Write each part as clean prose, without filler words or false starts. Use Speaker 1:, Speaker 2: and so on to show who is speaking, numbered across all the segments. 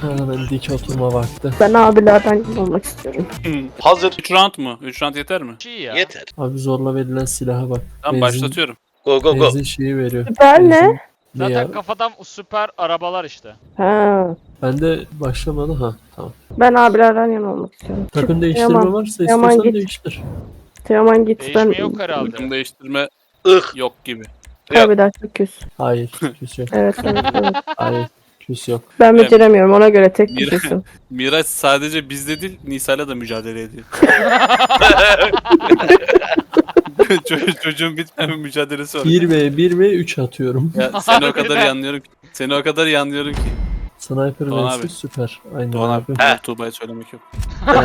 Speaker 1: Hemen dik oturma vakti.
Speaker 2: Ben abilerden olmak istiyorum.
Speaker 3: Hazır.
Speaker 4: 3 round mu? 3 round yeter mi?
Speaker 5: İyi ya.
Speaker 3: Yeter.
Speaker 1: Abi zorla verilen silaha bak.
Speaker 4: Tamam başlatıyorum.
Speaker 3: Go go go.
Speaker 1: Benzin şeyi veriyor.
Speaker 2: Süper ne?
Speaker 1: Benzin- Ne
Speaker 5: Zaten
Speaker 1: ya?
Speaker 5: kafadan süper arabalar işte.
Speaker 2: Ha.
Speaker 1: Bende başlamadı ha. Tamam.
Speaker 2: Ben abilerden yana olmak istiyorum.
Speaker 1: Takım değiştirme
Speaker 2: Yaman.
Speaker 1: varsa
Speaker 2: Yaman
Speaker 1: istiyorsan
Speaker 2: git.
Speaker 1: değiştir.
Speaker 2: Teoman git ben.
Speaker 5: Değişme yok herhalde.
Speaker 4: Takım değiştirme
Speaker 3: Ih.
Speaker 4: yok gibi.
Speaker 2: Kaybeder çok küs.
Speaker 1: Hayır. Küs yok.
Speaker 2: Evet, evet, evet.
Speaker 1: Hayır. Küs yok.
Speaker 2: Ben beceremiyorum ona göre tek
Speaker 4: Bir-
Speaker 2: kişisin.
Speaker 4: Miraç sadece bizde değil Nisa'yla da mücadele ediyor. Çocuğun bitmeyen bir mücadelesi var.
Speaker 1: 1v 3 atıyorum.
Speaker 4: Ya, seni o kadar iyi anlıyorum ki. Seni o kadar iyi anlıyorum ki.
Speaker 1: Sniper
Speaker 4: Doğan
Speaker 1: vs
Speaker 4: abi.
Speaker 1: süper. Aynen
Speaker 4: Doğan
Speaker 1: abi.
Speaker 4: abi.
Speaker 3: He.
Speaker 4: Tuğba'ya söylemek yok.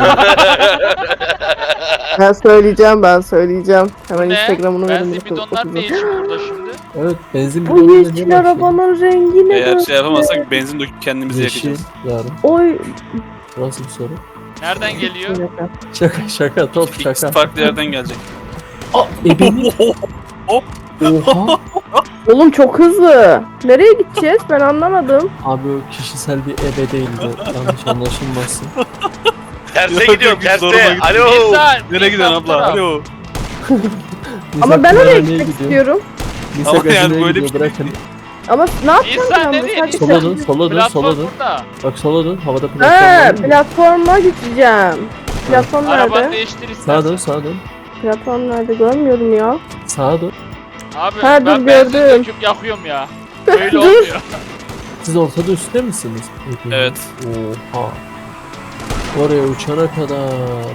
Speaker 2: Ben söyleyeceğim. Hemen
Speaker 5: Ne?
Speaker 2: Instagram'ını verin.
Speaker 5: Benzin bidonlar ne için burada şimdi?
Speaker 1: Evet benzin
Speaker 2: Bu
Speaker 1: bidonuyla ne
Speaker 2: yeşil
Speaker 1: başladı?
Speaker 2: arabanın rengi ne
Speaker 4: Eğer
Speaker 2: böyle?
Speaker 4: şey yapamazsak benzin döküp kendimizi
Speaker 1: Yeşil
Speaker 4: yakacağız.
Speaker 1: yarım.
Speaker 2: Oy.
Speaker 1: Nasıl bir soru?
Speaker 5: Nereden geliyor?
Speaker 1: Şaka top
Speaker 4: İkisi
Speaker 1: şaka.
Speaker 4: farklı yerden gelecek.
Speaker 1: Ebeni.
Speaker 4: Hop.
Speaker 1: Oha.
Speaker 2: Oğlum çok hızlı. Nereye gideceğiz? Ben anlamadım.
Speaker 1: Abi o kişisel bir ebe değildi. Yanlış anlaşılmasın.
Speaker 3: Terse
Speaker 4: Yok,
Speaker 3: gidiyorum
Speaker 4: yok, zoruma
Speaker 3: terse.
Speaker 4: gitti.
Speaker 3: Alo.
Speaker 5: Nisa,
Speaker 4: Nereye gidiyorsun abla? Alo.
Speaker 2: Ama ben oraya
Speaker 1: nereye
Speaker 2: gitmek
Speaker 1: gidiyor?
Speaker 2: istiyorum.
Speaker 1: Nisa
Speaker 4: Ama yani
Speaker 1: gazineye
Speaker 4: böyle
Speaker 1: gidiyor
Speaker 4: bir
Speaker 1: bırakın.
Speaker 2: Ama ne yapacağım
Speaker 5: Nisa
Speaker 2: ben?
Speaker 5: nereye?
Speaker 2: Sadece-
Speaker 1: Sola dön, sola dön,
Speaker 5: Platform
Speaker 1: sola dön.
Speaker 5: burada.
Speaker 1: Bak sola dön, havada
Speaker 2: Ha,
Speaker 1: platform var.
Speaker 2: platforma gideceğim. Platform
Speaker 5: Arabanı
Speaker 2: nerede?
Speaker 5: değiştir
Speaker 1: Sağa dön,
Speaker 5: istersen.
Speaker 1: sağa dön.
Speaker 2: Platform nerede? Görmüyorum ya.
Speaker 1: Sağa dön.
Speaker 5: Abi
Speaker 2: Ha, dur,
Speaker 5: ben benzin
Speaker 2: gördüm.
Speaker 5: döküp yakıyorum ya. Böyle
Speaker 2: Dur.
Speaker 5: olmuyor.
Speaker 1: Siz ortada üstte misiniz?
Speaker 4: Evet.
Speaker 1: Oha. Oraya uçana kadar.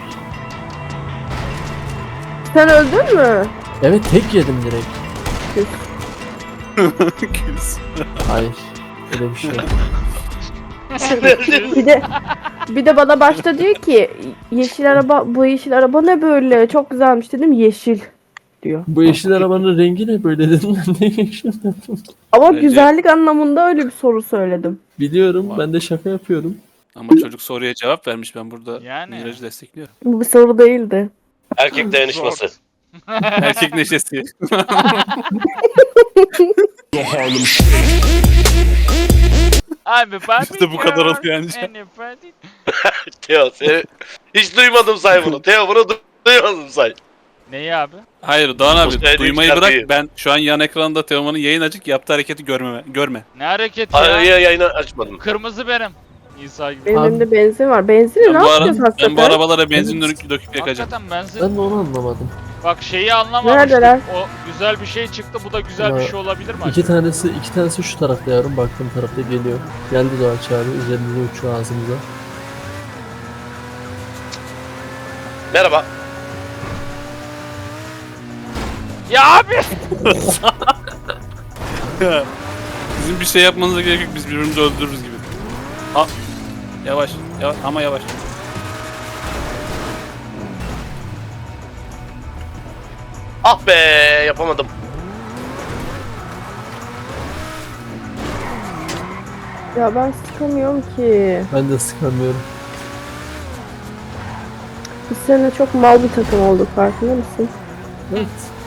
Speaker 2: Sen öldün mü?
Speaker 1: Evet tek yedim direkt.
Speaker 4: Küs.
Speaker 1: Hayır. Öyle bir şey yok.
Speaker 2: Bir de bana başta diyor ki yeşil araba, bu yeşil araba ne böyle? Çok güzelmiş dedim. Yeşil diyor.
Speaker 1: Bu yeşil arabanın rengi ne böyle dedim ben de yeşil dedim.
Speaker 2: Ama
Speaker 4: Bence-
Speaker 2: güzellik anlamında öyle bir soru söyledim.
Speaker 1: Biliyorum ben de şaka yapıyorum.
Speaker 4: Ama çocuk soruya cevap vermiş. Ben burada
Speaker 5: Yani.
Speaker 4: Miraç'ı destekliyorum.
Speaker 2: Bu bir soru değildi.
Speaker 3: Erkek dayanışması.
Speaker 4: Erkek neşesi.
Speaker 5: Abi
Speaker 4: İşte bu kadar oluyor anca.
Speaker 3: Teo seni hiç duymadım say bunu. Teo bunu duymadım say.
Speaker 5: Neyi abi?
Speaker 4: Hayır Doğan abi
Speaker 3: Ustaya
Speaker 4: duymayı
Speaker 3: değil,
Speaker 4: bırak.
Speaker 3: şarkıyı.
Speaker 4: Ben şu an yan ekranda Teoman'ın yayın açık yaptığı hareketi görme.
Speaker 5: Ne hareket
Speaker 3: Hayır
Speaker 5: ya?
Speaker 3: yayını açmadım.
Speaker 5: Kırmızı benim. İsa gibi.
Speaker 2: Benim
Speaker 1: Abi-
Speaker 2: elimde benzin var. Benzini
Speaker 4: Ben
Speaker 2: ne
Speaker 4: bu,
Speaker 2: yapacağız
Speaker 4: ben bu
Speaker 2: hakikaten?
Speaker 4: arabalara benzin döküp yakacağım.
Speaker 5: Hakikaten benzin.
Speaker 1: Ben de onu anlamadım.
Speaker 5: Bak şeyi anlamamıştım.
Speaker 2: Neredeler?
Speaker 5: O güzel bir şey çıktı. Bu da güzel bir
Speaker 1: Ya,
Speaker 5: şey olabilir mi?
Speaker 1: İki tanesi şu tarafta yavrum baktığım tarafta geliyor. Geldi Doğaç abi üzerimize uçuyor ağzımıza.
Speaker 3: Merhaba.
Speaker 5: Ya abi!
Speaker 4: Bizim bir şey yapmanıza gerek yok. Biz birbirimizi öldürürüz gibi. Ha. Yavaş ama yavaş.
Speaker 3: Ah be yapamadım.
Speaker 2: Ya ben sıkamıyorum ki.
Speaker 1: Ben de sıkamıyorum.
Speaker 2: Biz seninle çok mal bir takım olduk, farkında mısın?
Speaker 1: Evet.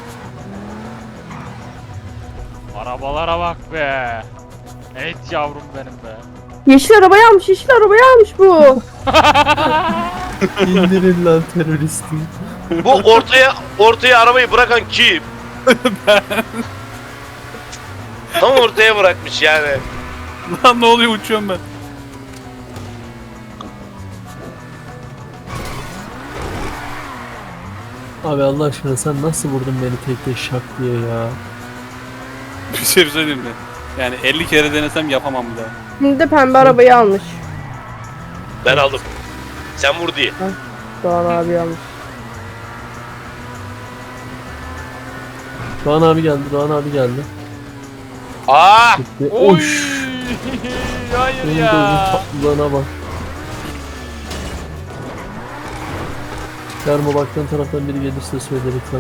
Speaker 5: Arabalara bak be. Evet yavrum benim be.
Speaker 2: Yeşil arabayı almış, yeşil arabayı almış bu.
Speaker 1: İndirin lan teröristi.
Speaker 3: Bu ortaya arabayı bırakan kim? Tam ortaya bırakmış yani.
Speaker 4: Lan ne oluyor uçuyorum ben.
Speaker 1: Abi Allah aşkına sen nasıl vurdun beni tek tek şak diye ya.
Speaker 4: Bir şey söyleyeyim mi? Yani 50 kere denesem yapamam bir daha.
Speaker 2: Şimdi de pembe arabayı almış.
Speaker 3: Ben aldım. Sen vur diye.
Speaker 2: Doğan abi almış.
Speaker 1: Doğan abi geldi, Doğan abi geldi.
Speaker 3: Aa!
Speaker 1: Gitti.
Speaker 5: Oy!
Speaker 1: Oş.
Speaker 5: Hayır
Speaker 1: Benim
Speaker 5: ya.
Speaker 1: gözüm tatlılığına bak. Yarma baktığın taraftan biri gelirse söyle lütfen.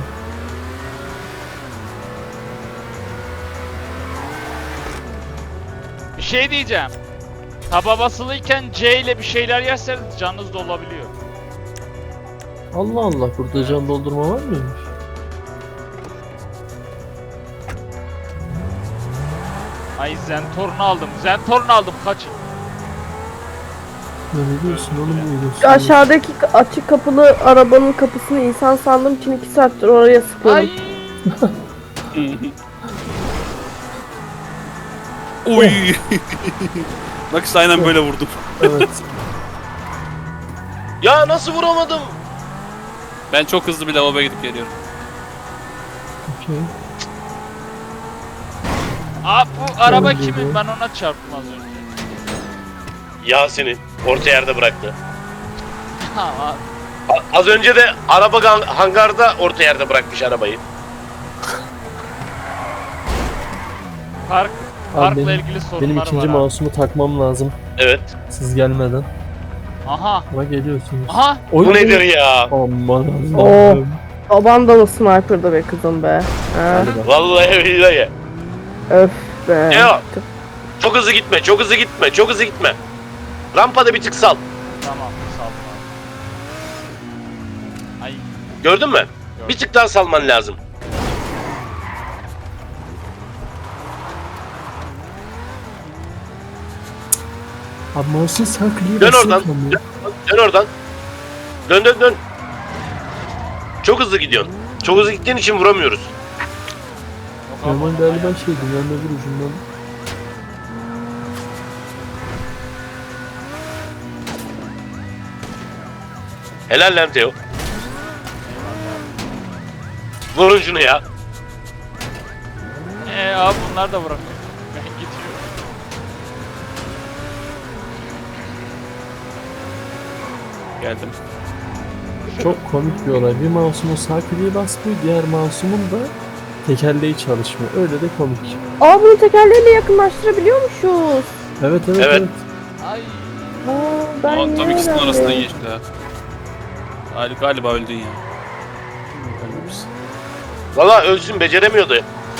Speaker 5: Bir şey diyeceğim. Taba basılıyken C ile bir şeyler yerseniz canınız da olabiliyor.
Speaker 1: Allah Allah burada can doldurma var mıymış?
Speaker 5: Ay Zentorn aldım. Zentorn aldım. Kaçın.
Speaker 1: Ne diyorsun oğlum bu diyorsun?
Speaker 2: Aşağıdaki açık kapılı arabanın kapısını insan sandığım için 2 saattir oraya sıkıyorum.
Speaker 5: Ay.
Speaker 4: Oy. Bak işte aynen böyle vurdum.
Speaker 1: Evet.
Speaker 3: Ya nasıl vuramadım?
Speaker 4: Ben çok hızlı bir lavaboya gidip geliyorum.
Speaker 1: Okey.
Speaker 5: Aa bu araba
Speaker 1: Öyle
Speaker 5: kimin?
Speaker 1: mi?
Speaker 5: Ben ona çarptım az önce.
Speaker 3: Yasin'in orta yerde bıraktı.
Speaker 5: Ha, abi.
Speaker 3: Az önce de araba hangarda orta yerde bırakmış arabayı.
Speaker 5: Park,
Speaker 1: Abi
Speaker 5: parkla
Speaker 1: benim-
Speaker 5: ilgili
Speaker 1: Benim
Speaker 5: sorunlar
Speaker 1: ikinci
Speaker 5: var abi.
Speaker 1: mouse'umu takmam lazım.
Speaker 3: Evet.
Speaker 1: Siz gelmeden.
Speaker 5: Aha.
Speaker 1: Ama geliyorsunuz.
Speaker 5: Aha.
Speaker 1: Oy,
Speaker 3: Bu nedir ya?
Speaker 1: Aman
Speaker 2: Oh.
Speaker 1: Allah'ım.
Speaker 2: Baban da mı sniper'da be kızım be? Ha?
Speaker 1: Galiba.
Speaker 3: Vallahi billahi.
Speaker 2: Öf be.
Speaker 3: Ya. Çok hızlı gitme, çok hızlı gitme, çok hızlı gitme. Rampada bir tık sal.
Speaker 5: Tamam sağ ol abi. Ay.
Speaker 3: Gördün mü? Bir tık daha salman lazım.
Speaker 1: Abi mouse'un sağ kliği
Speaker 3: Dön
Speaker 1: basılı
Speaker 3: oradan.
Speaker 1: kalmıyor.
Speaker 3: Dön oradan. Dön dön dön. Çok hızlı gidiyorsun. Çok hızlı gittiğin için vuramıyoruz.
Speaker 5: Yok abi,
Speaker 1: Normal
Speaker 5: ama
Speaker 1: galiba
Speaker 5: ya.
Speaker 1: şeydi. Ben öbür ucundan.
Speaker 3: Helal lan Teo. Vurun şunu ya.
Speaker 5: Abi bunlar da bırakıyor. Ben gidiyorum.
Speaker 4: Geldim.
Speaker 1: Çok komik bir olay. Bir mouse'umun sağ kliği basmıyor. Diğer mouse'umun da tekerleği çalışmıyor. Öyle de komik.
Speaker 2: Aa bunu tekerleğiyle yakınlaştırabiliyormuşuz.
Speaker 1: Evet evet
Speaker 3: Evet.
Speaker 1: evet.
Speaker 5: Ay.
Speaker 2: Aa, ben
Speaker 4: Aa, tam
Speaker 2: yine
Speaker 4: ikisinin
Speaker 2: öğrendim.
Speaker 4: arasından geçti ha. Galiba öldün ya. Ölmemişsin.
Speaker 3: Valla ölsün beceremiyordu.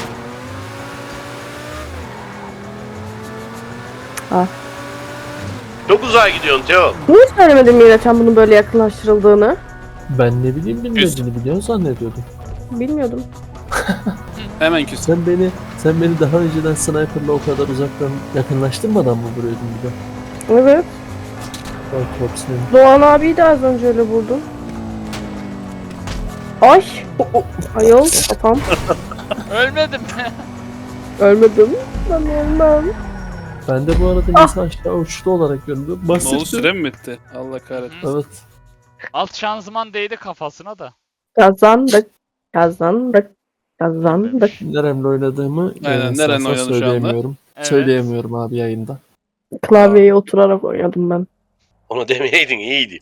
Speaker 2: Ah.
Speaker 3: Çok uzağa gidiyorsun Teo.
Speaker 2: Niye söylemedin Miraçhan bunun böyle yakınlaştırıldığını?
Speaker 1: Ben ne bileyim bilmediğini biliyorsun zannediyordum.
Speaker 2: Bilmiyordum.
Speaker 4: Hemen küs.
Speaker 1: Sen beni daha önceden sniper'la o kadar uzaktan yakınlaştırmadan mı vuruyordun bir de?
Speaker 2: Evet.
Speaker 1: Bak top seni.
Speaker 2: Doğan abiyi de az önce öyle vurdum. Ay. Ayol kafam.
Speaker 5: Ölmedim.
Speaker 2: Ölmedim. Ben ölmem.
Speaker 1: Ben de bu arada nasıl aşağı uçtu olarak göründü.
Speaker 4: Ne oldu,
Speaker 1: Basit.
Speaker 4: süre mi bitti? Allah kahretsin.
Speaker 1: Evet.
Speaker 5: Alt şanzıman değdi kafasına da.
Speaker 2: Kazandık. Kazandık. Kazandık.
Speaker 1: Neremle oynadığımı
Speaker 4: Aynen,
Speaker 1: esasında
Speaker 4: nerenle oynadın şu anda?
Speaker 1: söyleyemiyorum.
Speaker 5: Evet.
Speaker 1: Söyleyemiyorum abi yayında.
Speaker 2: Klavyeyi oturarak oynadım ben.
Speaker 3: Onu demeyeydin iyiydi.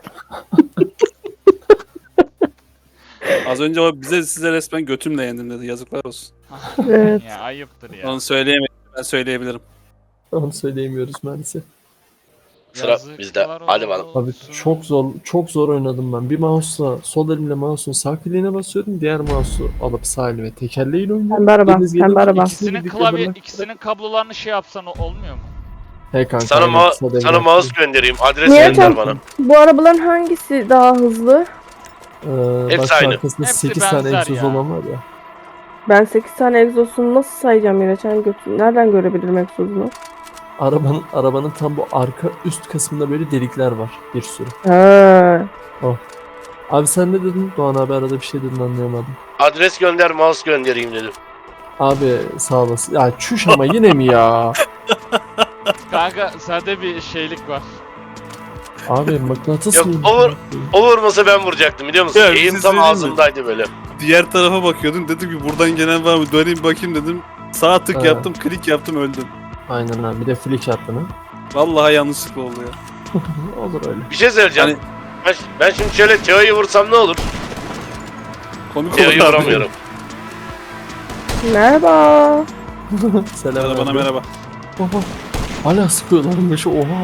Speaker 4: Az önce o size resmen götümle yendim dedi. Yazıklar olsun.
Speaker 2: Evet.
Speaker 5: Ya ayıptır ya.
Speaker 4: Onu söyleyemedim. Ben söyleyebilirim.
Speaker 1: Onu söyleyemiyoruz maalesef.
Speaker 3: Sıra bizde. Hadi bakalım.
Speaker 1: Abi çok zor oynadım ben. Bir mouse'la sol elimle mouse'un sağ kliğine basıyordum. Diğer mouse'u alıp sağ elime tekerleğiyle oynuyordum.
Speaker 2: Pembe araba.
Speaker 1: Deniz
Speaker 2: Pembe
Speaker 1: gelince
Speaker 2: araba.
Speaker 1: ikisini
Speaker 5: İkisinin
Speaker 1: birlikte
Speaker 5: klavye,
Speaker 1: bırak-
Speaker 5: ikisinin kablolarını şey yapsan olmuyor mu?
Speaker 1: He kanka.
Speaker 3: Sana,
Speaker 1: aynen, kısa devre
Speaker 3: sana mouse
Speaker 1: yaptım.
Speaker 3: göndereyim. Adres
Speaker 2: Niye
Speaker 3: gönder
Speaker 2: can-
Speaker 3: bana.
Speaker 2: Bu arabaların hangisi daha hızlı?
Speaker 3: Hepsi
Speaker 1: Baş
Speaker 3: aynı.
Speaker 1: arkasında
Speaker 5: Hepsi
Speaker 1: 8 tane
Speaker 5: benzer
Speaker 1: egzoz
Speaker 5: ya.
Speaker 1: olan var ya.
Speaker 2: Ben 8 tane egzosunu nasıl sayacağım Miraçhan götür? Nereden görebilirim egzosunu?
Speaker 1: Arabanın tam bu arka üst kısmında böyle delikler var. Bir sürü.
Speaker 2: Ha.
Speaker 1: Abi sen ne dedin? Doğan abi arada bir şey dedin anlayamadım.
Speaker 3: Adres gönder, mouse göndereyim dedim.
Speaker 1: Abi sağ olasın. Ya çüş ama yine mi ya?
Speaker 5: Kanka sende bir şeylik var.
Speaker 1: Abi mıknatıs
Speaker 3: Yok,
Speaker 1: mı?
Speaker 3: O vurmasa ben vuracaktım biliyor musun?
Speaker 4: Ya, bir
Speaker 3: Eğim
Speaker 4: şey
Speaker 3: tam
Speaker 4: söyleyeyim mi?
Speaker 3: ağzımdaydı böyle.
Speaker 4: Diğer tarafa bakıyordum. Dedim ki buradan gelen var mı? Döneyim bakayım dedim. Sağ tık
Speaker 1: Ha.
Speaker 4: yaptım, klik yaptım, öldüm.
Speaker 1: Aynen abi bir de flick attın ha.
Speaker 4: Vallahi yanlışlıkla oldu ya.
Speaker 1: Olur öyle.
Speaker 3: Bir şey söyleyeceğim.
Speaker 4: Hani
Speaker 3: Ben şimdi şöyle Teo'yu vursam ne olur?
Speaker 4: komik
Speaker 3: Teo'yu
Speaker 4: oldu abi.
Speaker 3: vuramıyorum.
Speaker 2: Merhaba.
Speaker 1: Selam
Speaker 4: Merhaba, bana
Speaker 1: abi.
Speaker 4: merhaba.
Speaker 1: Oha. Hala sıkıyorlarmış oha.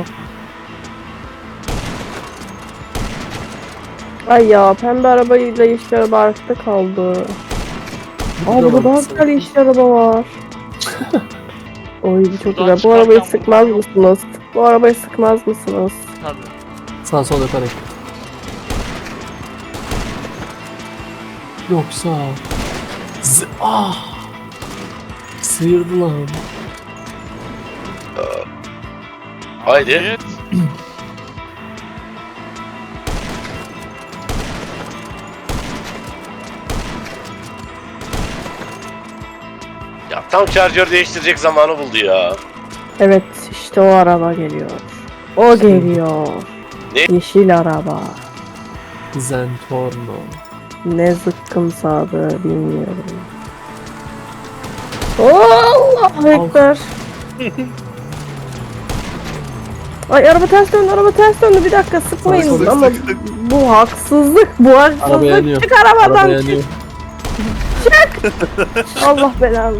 Speaker 2: Ay ya pembe arabayla yeşil araba arasında kaldı. Aa burada daha güzel yeşil araba var. Oy bu çok
Speaker 5: Buradan
Speaker 2: güzel. Bu arabayı
Speaker 5: çıkarken
Speaker 2: sıkmaz
Speaker 5: bu-
Speaker 2: mısınız? Bu arabayı sıkmaz mısınız?
Speaker 5: Tabii.
Speaker 1: Sağ sol yaparak. Yoksa... Sıyırdı lan.
Speaker 3: Haydi.
Speaker 5: Afiyet.
Speaker 3: tam şarjör değiştirecek zamanı buldu ya.
Speaker 2: Evet işte o araba geliyor. O geliyor.
Speaker 3: Ne?
Speaker 2: Yeşil araba.
Speaker 1: Zentorno.
Speaker 2: Ne zıkkımsadı bilmiyorum. Allah ekber. Ay araba ters döndü, araba ters döndü. Bir dakika sıkmayın
Speaker 1: Polis
Speaker 2: ama bu haksızlık, bu
Speaker 1: Araba
Speaker 2: haksızlık.
Speaker 1: yanıyor.
Speaker 2: Çık arabadan
Speaker 1: Araba yanıyor.
Speaker 2: Allah belanı.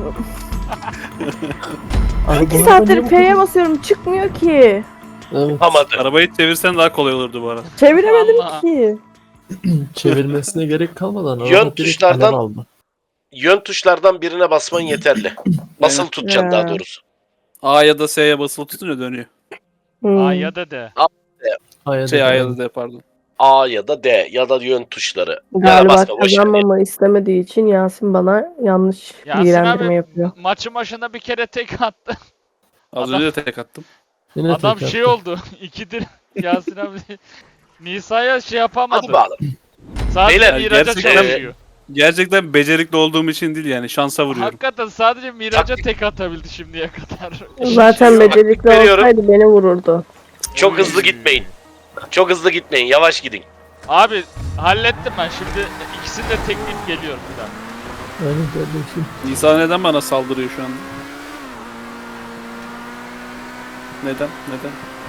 Speaker 1: Araba
Speaker 2: 2
Speaker 1: niye
Speaker 2: saattir
Speaker 1: bu
Speaker 2: P'ye
Speaker 1: kadar-
Speaker 2: basıyorum çıkmıyor ki.
Speaker 1: Evet.
Speaker 3: Yapamadı.
Speaker 4: Arabayı çevirsen daha kolay olurdu bu arada.
Speaker 2: Çeviremedim
Speaker 5: Allah.
Speaker 2: ki.
Speaker 1: Çevirmesine gerek kalmadan
Speaker 3: Yön
Speaker 1: araba direkt
Speaker 3: tuşlardan-
Speaker 1: alev aldı.
Speaker 3: Yön tuşlardan birine basman yeterli. Basılı tutacaksın daha doğrusu.
Speaker 4: A ya da S'ye basılı tutunca dönüyor.
Speaker 2: Hmm.
Speaker 5: A ya da D.
Speaker 1: Hayır,
Speaker 4: Şey A ya da D pardon.
Speaker 3: A ya da D ya da yön tuşları. Ya da
Speaker 2: Galiba
Speaker 3: basma, boş ver.
Speaker 2: kazanmamı istemediği için Yasin bana yanlış
Speaker 5: Yasin
Speaker 2: bilgilendirme
Speaker 5: abi
Speaker 2: yapıyor.
Speaker 5: maçın başında bir kere tek attı.
Speaker 4: Az
Speaker 5: Adam-
Speaker 4: önce de tek attım.
Speaker 1: Yine
Speaker 5: Adam
Speaker 1: tek
Speaker 5: şey
Speaker 1: attı.
Speaker 5: oldu. İkidir Yasin abi Nisa'ya şey yapamadı.
Speaker 3: Hadi bakalım.
Speaker 5: Sadece
Speaker 3: Beyler,
Speaker 5: Miraç'a
Speaker 4: gerçekten-
Speaker 5: çalışıyor.
Speaker 4: Gerçekten becerikli olduğum için değil yani şansa vuruyorum.
Speaker 5: Hakikaten sadece Miraç'a
Speaker 3: Taktik.
Speaker 5: tek atabildi şimdiye kadar.
Speaker 2: Zaten
Speaker 5: Şey yok.
Speaker 2: becerikli
Speaker 3: veriyorum.
Speaker 2: olsaydı beni vururdu.
Speaker 3: Çok
Speaker 5: Oy.
Speaker 3: hızlı gitmeyin. Çok hızlı gitmeyin. Yavaş gidin.
Speaker 5: Abi hallettim ben şimdi ikisini de tekleyip geliyorum bir daha.
Speaker 1: Aynen kardeşim.
Speaker 4: Nisa neden bana saldırıyor şu anda? Neden? Neden?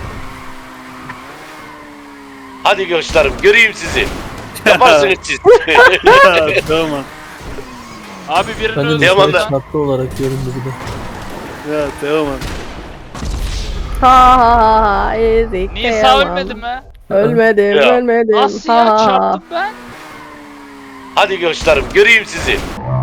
Speaker 3: Hadi gösterim. Göreyim sizi. Yaparsınız siz.
Speaker 4: Tamam.
Speaker 5: Abi birini
Speaker 1: Ben de
Speaker 5: öldürdüm.
Speaker 3: Teoman
Speaker 1: Nisa'ya
Speaker 3: da-
Speaker 1: çarptı olarak göründü bir de.
Speaker 4: Ya Teoman.
Speaker 2: Ha ezik.
Speaker 5: Nisa
Speaker 2: kıyamam.
Speaker 5: ölmedi mi?
Speaker 2: Ölmedim,
Speaker 3: Ya.
Speaker 2: ölmedim.
Speaker 5: Nasıl ya
Speaker 2: Ha.
Speaker 5: çarptım ben?
Speaker 3: Hadi gösterim. Göreyim sizi.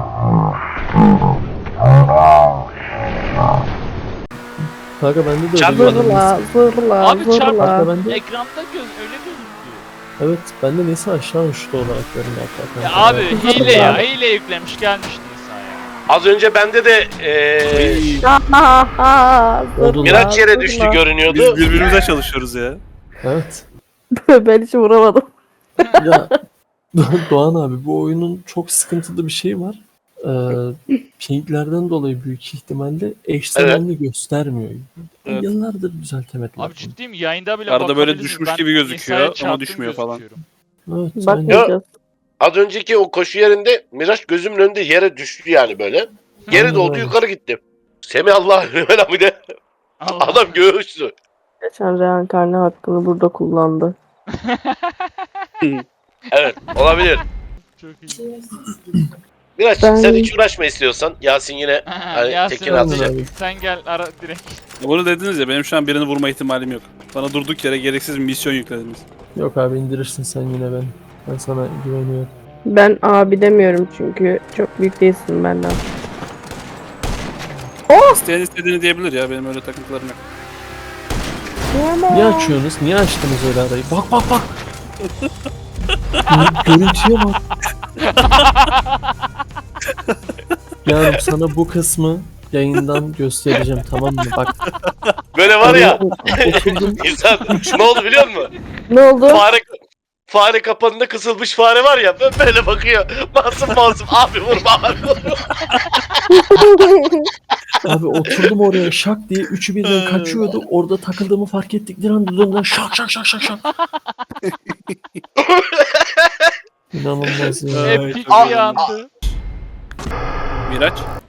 Speaker 1: Kanka bende de öyle
Speaker 3: Çarpmadı.
Speaker 1: göründü.
Speaker 2: Zırla, zırla,
Speaker 5: Abi
Speaker 2: zırla.
Speaker 1: Kanka bende,
Speaker 5: Ekranda öyle gözüküyor.
Speaker 1: evet bende Nisa aşağı uçtu olarak göründü hatta.
Speaker 5: Ya
Speaker 1: kanka.
Speaker 5: abi
Speaker 1: Evet.
Speaker 5: hile ya hile yüklemiş gelmiş Nisa ya.
Speaker 3: Az önce bende de
Speaker 2: Ha ha ha. Zırla,
Speaker 3: Miraç yere
Speaker 2: zırla.
Speaker 3: düştü görünüyordu.
Speaker 4: Biz birbirimize çalışıyoruz ya.
Speaker 1: Evet.
Speaker 2: Ben hiç vuramadım.
Speaker 1: Ya Doğan abi bu oyunun çok sıkıntılı bir şey var. Pinglerden dolayı büyük ihtimalle eş zamanlı göstermiyor.
Speaker 4: Evet.
Speaker 1: Yıllardır düzeltemediler.
Speaker 5: Abi ciddiyim yayında bile
Speaker 4: Arada böyle
Speaker 5: bakabilirsiniz.
Speaker 4: düşmüş
Speaker 5: Ben
Speaker 4: gibi gözüküyor
Speaker 5: Nisa'ya
Speaker 4: ama
Speaker 5: çarptım
Speaker 4: düşmüyor falan.
Speaker 5: gözüküyorum.
Speaker 1: Evet, aynen.
Speaker 2: Bakmayacağız.
Speaker 3: Az önceki o koşu yerinde Miraç gözümün önünde yere düştü yani böyle. Geri
Speaker 1: Aynen
Speaker 3: doldu
Speaker 1: öyle.
Speaker 3: yukarı gitti. Semih Allah bir de
Speaker 5: Allah.
Speaker 3: adam göğüstü.
Speaker 2: Geçen reenkarne hakkını burada kullandı.
Speaker 3: Evet olabilir.
Speaker 5: Çok iyi.
Speaker 3: Miraç
Speaker 2: Ben-
Speaker 3: sen hiç uğraşma istiyorsan. Yasin yine hani
Speaker 5: Yasin
Speaker 3: tekini
Speaker 5: abi,
Speaker 3: atacak.
Speaker 5: sen gel ara direkt.
Speaker 4: Bunu dediniz ya benim şu an birini vurma ihtimalim yok. Bana durduk yere gereksiz bir misyon yüklediniz.
Speaker 1: Yok abi indirirsin sen yine ben. Ben sana güveniyorum.
Speaker 2: Ben abi demiyorum çünkü çok büyük değilsin benden.
Speaker 4: İsteyen istediğini diyebilir ya benim öyle takıntılarım yok.
Speaker 1: Niye açıyorsunuz? Niye açtınız öyle arayı? Bak bak bak. Görüntüye bak. Yani sana bu kısmı yayından göstereceğim tamam mı? Bak.
Speaker 3: Böyle var ya
Speaker 1: Oturdum.
Speaker 3: insan ne oldu biliyor musun?
Speaker 2: Ne oldu?
Speaker 3: Fare kapanında kısılmış fare var ya böyle bakıyor. Masum masum abi vurma abi vurma.
Speaker 1: Abi oturdum oraya şak diye üçü birden kaçıyordu. Orada takıldığımı fark ettikleri anda döndüler şak şak şak şak şak. İnanılmaz ya.
Speaker 4: Ay,
Speaker 5: Epik
Speaker 4: çok
Speaker 5: bir
Speaker 4: iyi.
Speaker 5: andı.
Speaker 4: Miraç.